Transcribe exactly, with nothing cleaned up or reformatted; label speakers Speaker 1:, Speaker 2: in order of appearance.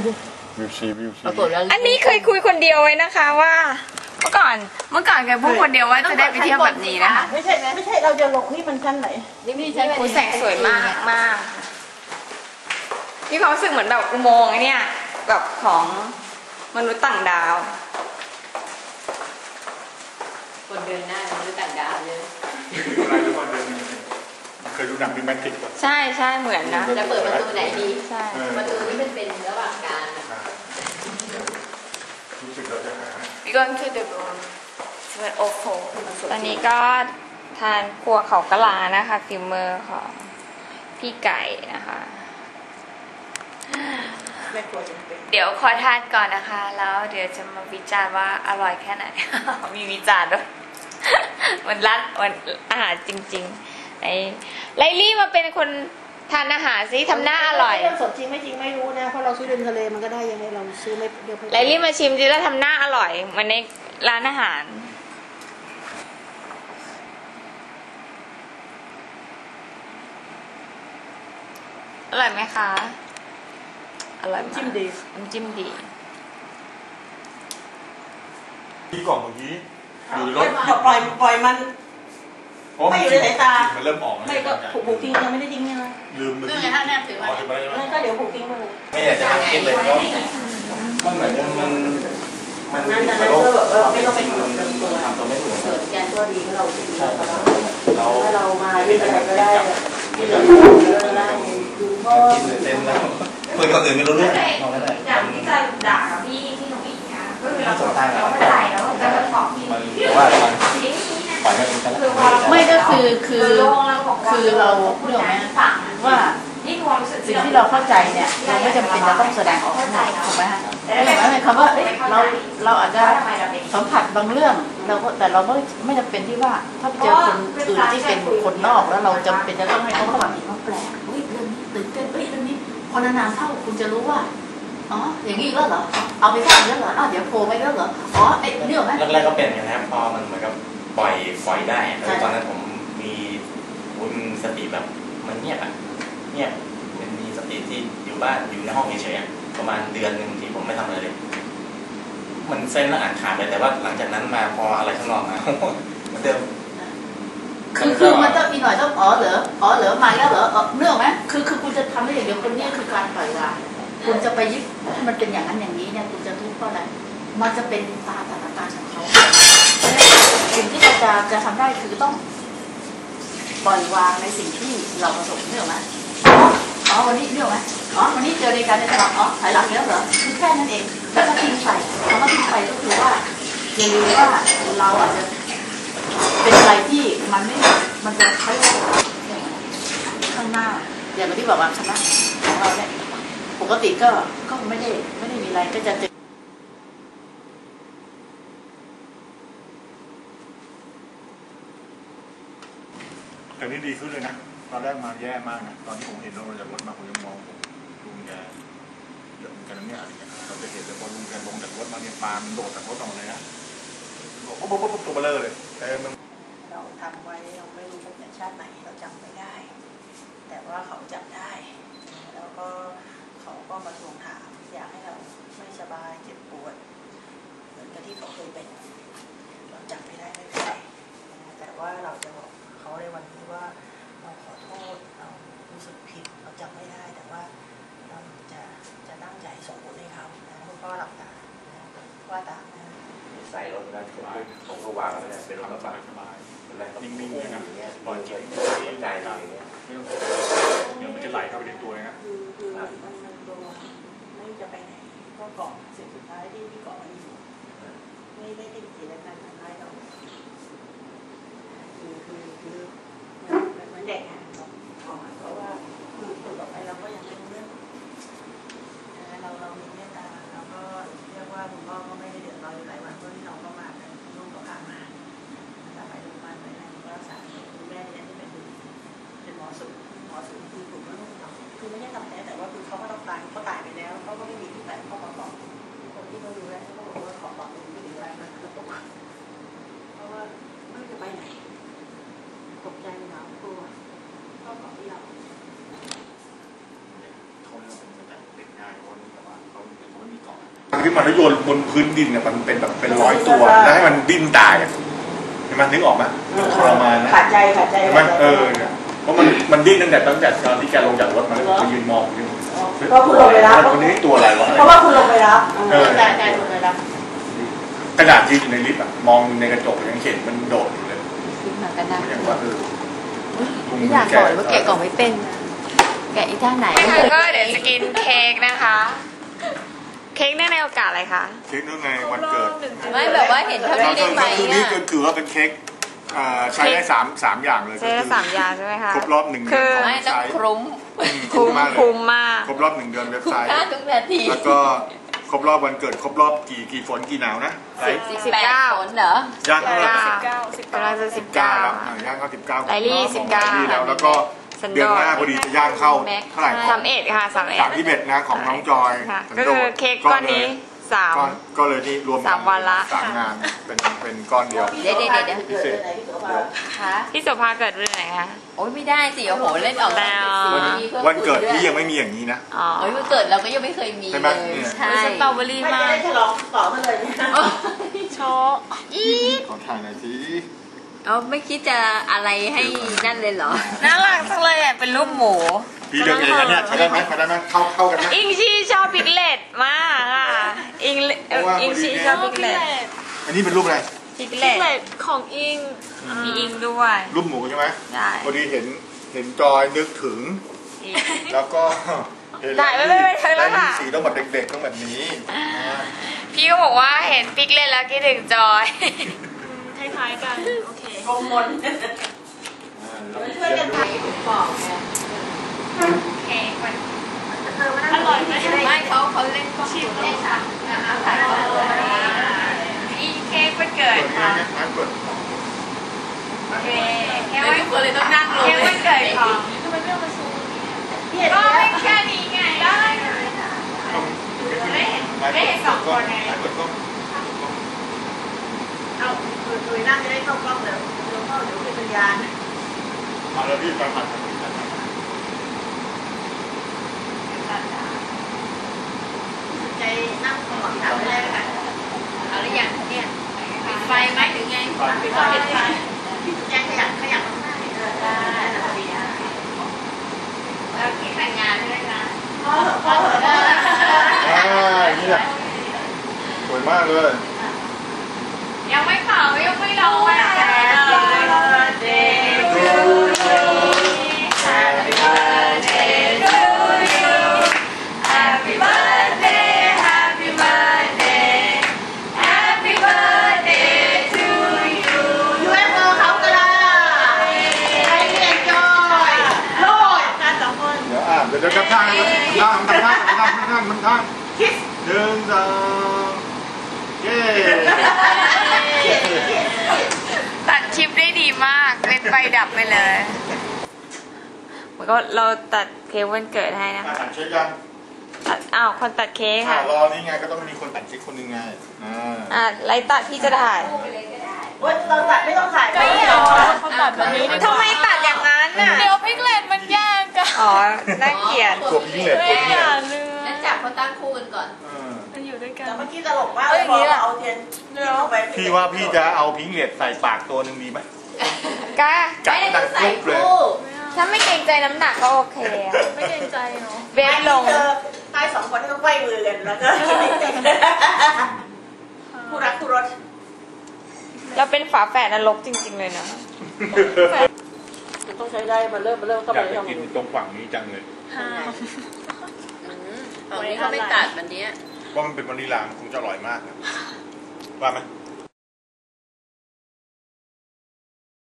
Speaker 1: วิวชีวิวชี
Speaker 2: อันนี้เคยคุยคนเดียวไว้นะคะว่าเมื่อก่อนเมื่อก่อนเคยพูดคนเดียวว่าจะได้ไปเที่ยวแบบนี้นะคะ
Speaker 3: ไม่ใช่ไม่ใช่เราจะลงนี่มันชั้นไหน
Speaker 2: นี่มีชั้นคุณแสงสวยมากมากมีความรู้สึกเหมือนแบบอุโมงค์เนี่ยแบบของมนุษย์ต่างดาว
Speaker 4: คนเดินหน้ามนุษย์ต่างดาวเลย
Speaker 1: อะไรทุกคนเดินเคยดูหนังดิแมนติกป่ะ
Speaker 2: ใช่ใช่เหมือนนะ
Speaker 4: จะเปิดประตูไหนดี
Speaker 2: ใช่
Speaker 4: ประตูนี้มันเป็นระหว่างกลาง
Speaker 1: รู้สึกเราจะหา
Speaker 2: We going to the room โอ้โหตอนนี้ก็ทานครัวเขากะลานะคะฟิลเมอร์ของพี่ไก่นะคะเดี๋ยวขอทานก่อนนะคะแล้วเดี๋ยวจะมาวิจารณ์ว่าอร่อยแค่ไหน มีวิจารณ์ด้วย มันรัดมันอาหารจริงๆไอ้ไลลี่มาเป็นคนทานอาหารซิทำหน้าอร่อย
Speaker 3: เรื่องสดจริงไม่จริงไม่รู้นะเพราะเราซื้อเดินทะเลมันก็ได้ยังไงเราซื้อไม่เดียว
Speaker 2: ไลลี่มาชิมซิแล้วทำหน้าอร่อยเหมือนในร้านอาหารอร่อยไหมคะอร่อยมาก
Speaker 3: จิ้มดี
Speaker 2: น้ำจิ้มดี
Speaker 1: ที่กล่องเมื่อกี้อยู่รถ
Speaker 3: ปล่อยปล่อยมันไม่อยู่ในสายตา
Speaker 1: มันเริ่มออก
Speaker 3: ไม่ก็ผูกผูกทิ้งยังไม่ได้ทิ้งเนี่ยนะ
Speaker 1: ลืมเมื่อกี้
Speaker 4: ถ้าแนบถือไว้
Speaker 3: นั่นก็เดี๋ยวผูกทิ้งไปเลย
Speaker 5: ไม่อยากจะทำกินเลยก็มันเหมือนมันมัน
Speaker 3: นั่นนั่นก็แบบว่าไม่ต้องไปทำตัว
Speaker 5: ทำตัวไม่ถูก
Speaker 3: เกิดแกนตัวดีก็เราใช่ครับ
Speaker 5: เรา
Speaker 3: ถ้าเรามาที่อะไรก็ได้ที่เหลือก็ได้ดูพ่อ
Speaker 5: เต็มแล้วคุยกับอื่นไม่รู้เรื่อง
Speaker 2: อย่างที่จะด่าพี่ที่หนูอีกนะก็คือเราเราเข้าใจแล้วจะมาขอบพี่
Speaker 5: แต่ว่ามันปล่อยให้เป็นกัน
Speaker 3: ไม่ก็คือคือคือเราเรื่องไหมว่าสิ่งที่เราเข้าใจเนี่ยเราไม่จำเป็นจะต้องแสดงออกถูกไหมฮะไม่หมายความว่าเราเราอาจจะสัมผัสบางเรื่องเราแต่เราไม่ไม่จำเป็นที่ว่าถ้าไปเจอคนอื่นที่เป็นคนนอกแล้วเราจำเป็นจะต้องให้เขาฟังเขาแปลกเฮ้ยเรื่องนี้ตื่นเต้นเฮ้ยเรื่องนี้พอนานๆเข้าคุณจะรู้ว่าอ๋ออย่างนี้แล้วเหรอเอาไปสร้างแล้วเหรออ้าวเดี๋ยวโผล่ไปแล้วเหรออ๋อไอ้เรื่องนั้น
Speaker 5: แรกๆก็เป็นอย่างนั้นพอมันเหมือนกับปล่อยปล่อยได้ตอนนั้นผมมีคุณสติแบบมันเงียบอ่ะเงียบมันมีสติที่อยู่บ้านอยู่ในห้องเฉยๆประมาณเดือนหนึ่งที่ผมไม่ทำอะไรเลยมันเส้นแล้วอ่านขาดไปแต่ว่าหลังจากนั้นมาพออะไรข้างนอกมาเหมือนเดิม
Speaker 3: คือคือมันต้องมีหน่อยต้องอ๋อเหรออ๋อเหรอมาแล้วเหรอเนื่องไหมคือคือคุณจะทำได้อย่างเดียวคนนี้คือการปล่อยวางคุณจะไปยึดมันเป็นอย่างนั้นอย่างนี้เนี่ยคุณจะทุกข์เพราะอะไรมันจะเป็นตาสถานการณ์ของเขาสิ่งที่เราจะจะทำได้คือต้องปล่อยวางในสิ่งที่เราประสบเนื่องไหมอ๋อวันนี้เนื่องไหมอ๋อวันนี้เจอในการในตลาดอ๋อถอยหลังแล้วเหรอคือแค่นั้นเองแล้วก็ทิ้งไปแล้วก็ทิ้งไปก็คือว่าอย่าลืมว่าเราอาจจะเป็นอะไรที่มันไม่มันจะใช้ข้างหน้าอย่างที่บอกว่าคณะของเราเนี่ยปกติก็ก็ไม่ได้ไม่ได้มีอะไรก็จะเจอ
Speaker 1: แต่นี่ดีขึ้นเลยนะตอนแรกมาแย่มากนะตอนที่ผมเห็นเราจากรถมาผมยังมองลุงแกเยอะเหมือนกันเนี่ยอะไรเงี้ยเราจะเห็นแต่พอลุงแกลงจากรถมาเนี่ยปานโดดจากรถออกมาเลยนะบอกปุ๊บปุ๊บปุ๊บตัวเบลอเลยแต่มัน
Speaker 3: เราทำไว้เราไม่รู้ว่าเป็นชาติไหนเราจำไม่ได้แต่ว่าเขาจำได้แล้วก็เขาก็มาทวงถามอยากให้เราไม่สบายเจ็บปวดเหมือนกับที่เขาเคยเป็นเราจำไม่ได้ไม่เป็นไรแต่ว่าเราจะบอกเขาในวันนี้ว่าเราขอโทษเรารู้สึกผิดเราจำไม่ได้แต่ว่าเราจะจะตั้งใจส่งบุญให้เขานะคุณพ่อหลับตาว่าตามนะ
Speaker 5: ใส่รถได้ผมผมก็วางไว้เลยเป็นรถกระบะสบาย
Speaker 1: นิ่งๆนะปล่อยใจ
Speaker 5: ใจอย่างเงี้ย
Speaker 1: ไม่ต้องเดี๋ยวมันจะไหลเข้าไปในตัวนะ
Speaker 3: คือคือมันมันตัวไม่จะไปไหนก็เกาะสิ่งสุดท้ายที่ที่เกาะอยู่ไม่ได้ติดกิจการทำร้ายเราคือคือคือเหมือนเด็กอ่ะเพราะว่าคือตัวต่อไปเราก็ยังไม่รู้เรื่องเราเรามีเมตตาเราก็เรียกว่าคุณพ่อก็ไม่ได้เดือดร้อนอยู่หลายวันเพราะที่เราก็มากันลูกก็พามาแต่ไปโรงพยาบาลไปไหนก็รักษาคุณแม่เนี่ยที่เป็นเป็นหมอสุหมอสุคือถูกว่าลูกเราคือไม่ใช่ทำแท้แต่ว่าคือเขาก็ต้องตายเขาตายไปแล้วเขาก็ไม่มีที่ไหนเขามาบอกคนที่เขาดูแลเขาบอกว่าขอบอกเลยไม่ถึงไรมันกระตุกเพราะว่าไม่จะไปไหนตกใจหนาวกลัวก็บอกที่เรา
Speaker 1: เขาเนี่ยเป็นแต่เด็กง่ายคนแต่ว่าเขาขึ้นมาแล้วโยนบนพื้นดินเนี่ยมันเป็นแบบเป็นร้อยตัวแล้วให้มันดิ้นตายอ่ะเห็นไหมนึกออกไหมทรมานนะ
Speaker 3: ขาดใจขาดใจ
Speaker 1: เห็นไหมเออเพราะมันมันดิ้นตั้งแต่ตั้งแต่ตอนที่แกลงจากรถมาไปยืนมองอยู่
Speaker 3: เพราะคุณลงไปรับ
Speaker 1: คนนี้ตัวอะไรวะ
Speaker 3: เพราะว่าคุณลงไปรับเออใจใจลงไปรับ
Speaker 1: กระดาษยืนอยู่ในลิฟต์อ่ะมองในกระจกยังเห็นมันโดดอยู่เลย
Speaker 4: ขึ้นมากันนะ
Speaker 1: อย่างว่าเออ
Speaker 4: ไม่อยากบอกเลยว่าแกะกล่องไม่เป็นแกะอีท่าไหน
Speaker 2: นะคะก็เดี๋ยวจะกินเค้กนะคะ เค้กเนื่องในโอกาสอะไรคะ
Speaker 1: เค้กเนื่องในวันเกิด
Speaker 4: ไม่แบบว่าเห็นเท่านี้ได้ไหม
Speaker 1: คือนี่
Speaker 4: อ่ะ
Speaker 1: ถือว่าเป็นเค้กใช้ได้สามสามอย่างเลย
Speaker 2: ใช้ได้สามอย่างใช่ไหมคะ
Speaker 1: ครบรอบหนึ่งเดื
Speaker 2: คื
Speaker 1: อน
Speaker 2: อ
Speaker 1: ของ
Speaker 4: ไม่
Speaker 1: เว็บ
Speaker 4: ต้อ
Speaker 1: ไซ
Speaker 4: ง
Speaker 1: ต์
Speaker 4: คลุ้ม
Speaker 2: คุ้ม
Speaker 1: มากเลย
Speaker 2: คุ้มมาก
Speaker 1: ครบรอบหนึ่งเดือนเว็บ
Speaker 4: คุ้ม
Speaker 1: ไซต์
Speaker 4: ค่าทุกนาที
Speaker 1: แล้วก็ครบรอบวันเกิดครบรอบกี่กี่ฝนกี่หนาวนะไร
Speaker 4: สิบแปดคนเหรอ
Speaker 1: ย่างเท่าไหร่
Speaker 2: สิบเก้าสิบเก้าสิบ
Speaker 1: เก้า
Speaker 2: เก้า
Speaker 1: แล้วอ่ะย่างเข้าสิบเก้า
Speaker 2: ไลลี่สิบเก้า
Speaker 1: แล้วแล้วก็เดือนหน้าพอดีจะย่างเข้าเท่าไหร่
Speaker 2: สามเอ็ดค่ะสามเอ็ด
Speaker 1: สามที่เบ็ดนะของน้องจอย
Speaker 2: ค่ะ ก็คือเค้กก้อนนี้สาม
Speaker 1: ก้อนก็เลยนี่รวม
Speaker 2: สามวันละ
Speaker 1: สามงานเป็นเป็นก้อนเดียว
Speaker 4: เดี๋ยวเดี๋ยวเดี๋ยว
Speaker 1: พิเศษ
Speaker 4: ค่ะ
Speaker 2: พี่โสภาเกิดเรื่องไหนคะ
Speaker 4: โอ้ยไม่ได้สิโอ้โหเล่นออก
Speaker 2: แล้ว
Speaker 1: วันเกิดพี่ยังไม่มีอย่างนี้นะ
Speaker 2: อ๋อ
Speaker 4: โอ้ยวันเกิดเราก็ยังไม่เคยมี
Speaker 1: ใช่ไหม
Speaker 4: เลย
Speaker 1: เนี่ย
Speaker 4: ใช่
Speaker 2: สตรอเบอรี่
Speaker 3: ไม่
Speaker 2: มา
Speaker 3: จะ
Speaker 2: ก
Speaker 3: ได้ฉลองต่อมาเลยเนี่ย
Speaker 2: โชว์อีก
Speaker 1: ขอถ่ายหน่อยสิ
Speaker 4: เอาไม่คิดจะอะไรให้นั่นเลยเหรอ
Speaker 2: น่ารักจังเลยอ่ะเป็นรูปหมู
Speaker 1: พี่เลือกเองนะเนี่ยใช้ได้ไหมใช้ได้ไหมเข้าเข้ากันไหม
Speaker 2: อิงชีชอบพิกเลตมากอ่ะอิงเอ่ออิงชีชอบพิกเลต
Speaker 1: อันนี้เป็นรูปอะไร
Speaker 2: พิกเลตของอิงมีอิงด้วย
Speaker 1: รูปหมูใช่ไหม
Speaker 2: ใช่
Speaker 1: พอดีเห็นเห็นจอยนึกถึง แล้วก็เห็น
Speaker 2: ถ่ายไว้ไม่ไม่ใช่
Speaker 1: ได้
Speaker 2: แล้ว
Speaker 1: ยิ
Speaker 2: ค่ะ
Speaker 1: นสีต้องแบบเด็กๆต้องแบบนี้อ่า
Speaker 2: พี่ก็บอกว่าเห็นพิกเลตแล้วคิดถึงจอย
Speaker 3: คล้ายๆกัน โอเคโกมล
Speaker 1: อ่าแล้ว
Speaker 3: ช่วยกันท
Speaker 4: บอกไง
Speaker 2: เค้กมัน
Speaker 3: ำอร่อยไหม
Speaker 4: ไม่เขาเขาเล่นก็ชิมเล่นค่ะถ่ายรูปเลย
Speaker 2: อิงเค้กวันเกิ
Speaker 1: เปิ
Speaker 2: ด
Speaker 1: ด
Speaker 2: ค่ะ
Speaker 1: งานงานเปิด
Speaker 2: โอเคเค้ก
Speaker 4: ไม่
Speaker 2: วัน
Speaker 4: ควรเลยต้องนั่งลง
Speaker 2: เค้กวันเกิดของ
Speaker 3: พี่เห็น
Speaker 2: ก็
Speaker 3: ไหม
Speaker 2: ไม่แค่นี้ไงได้ได้เห็นได้เห็นสองคนไง
Speaker 1: เปิดกล้อง
Speaker 3: เอาคุยคุยนั่งจะได้เข้ากล้องเดี๋ยวเดี๋ยวเข้าเดี๋ยวเป็นพยาน
Speaker 1: มาแล้วพี่ฟังผ่าน
Speaker 3: ใจนั่งขมวดถามไปเลยค่ะ
Speaker 4: เอาหรือยังเนี่ยปิดไฟไหมหรือไง
Speaker 3: ปิดไฟปิดไฟพี่แจ้งขยับขยับข้างหน้าเออได้ได้พอดีอ่ะ
Speaker 2: แล้วเค้กแต่งงานด้วยนะ
Speaker 3: พ่อเหอะพ่อเหอะ
Speaker 1: อ่าอย่างนี้แหละสวยมากเลย
Speaker 2: ยังไม่เป่ายังไม่ร้องอ่ะ
Speaker 1: Happy birthday to you
Speaker 2: Happy birthday Happy birthday Happy birthday to you
Speaker 3: ยูเอฟโอเขาก็ได้ใครเรียนจอยโลดกันสองคน
Speaker 1: เดี๋ยวอ่ะเดี๋ยวเดี๋ยวกระท่างกระท่างกระท่างกระท่างกระท่างกระท่าง
Speaker 3: คิส
Speaker 1: หนึ่งสองเย้
Speaker 2: ตัดคลิปได้ดีมากเล่นไฟดับไปเลยมันก็เราตัดเค้กวันเกิดให้นะ
Speaker 1: อ่ะ
Speaker 2: คะ
Speaker 1: ตัดเช็คยัง
Speaker 2: ตัดอ้าวคนตัดเค้ก
Speaker 1: อ่ะ
Speaker 2: ค่ะ
Speaker 1: รอนี่ไงก็ต้องมีคนตัดเช็คคนหนึ่งไงอ่า
Speaker 2: อ่ะไลฟ์ตัดพี่จะถ่าย
Speaker 3: เว้ยเราตัดไม่ต้องถ่ายไม่หรอ
Speaker 4: ตัดแบบนี้
Speaker 2: ทำไมตัดอย่างนั้นน่ะ
Speaker 4: เดี๋ยวพิกเลตมันแย่งกัน
Speaker 2: อ๋อน่าเกลียด
Speaker 1: ตัวพิงเหล็กตัวพิงเหล็ก
Speaker 4: นั่นจับเขาตั้งคู่กันก่อน
Speaker 1: เออ
Speaker 3: แต่เมื่อกี้ตลกมากเลยพอเอาเทียนยื่นลงไป
Speaker 1: พี่ว่าพี่จะเอาพิงเหล็กใส่ปากตัวหนึ่งดีไหม
Speaker 2: กล้า
Speaker 1: กัด
Speaker 4: ไม่ได้
Speaker 1: ดั
Speaker 4: ต้อง งใส่
Speaker 1: กรุ๊บเลย
Speaker 4: คู่
Speaker 2: ถ้าไม่เกรงใจน้ำหนักก็โอเคอะ
Speaker 3: ไม่เกรงใจเนาะ
Speaker 2: เบฟลง
Speaker 3: เจอใครสองคนที่ต้องไขว้มือกันแล้วก็ผู้รักผู้รส
Speaker 2: เราเป็นฝาแฝดนรกจริง ๆ เลยนะ
Speaker 3: ต้องใช้ได้มาเริ่มมาเริ่มเข้า
Speaker 1: อ
Speaker 3: ไป
Speaker 1: ยากจะกินตรงฝั่งนี้จังเลย
Speaker 4: ตอนนี้เขาไม่ตัดวันนี้
Speaker 1: ว่ามันเป็นวานิลลามันคงจะอร่อยมากนะว่าไหม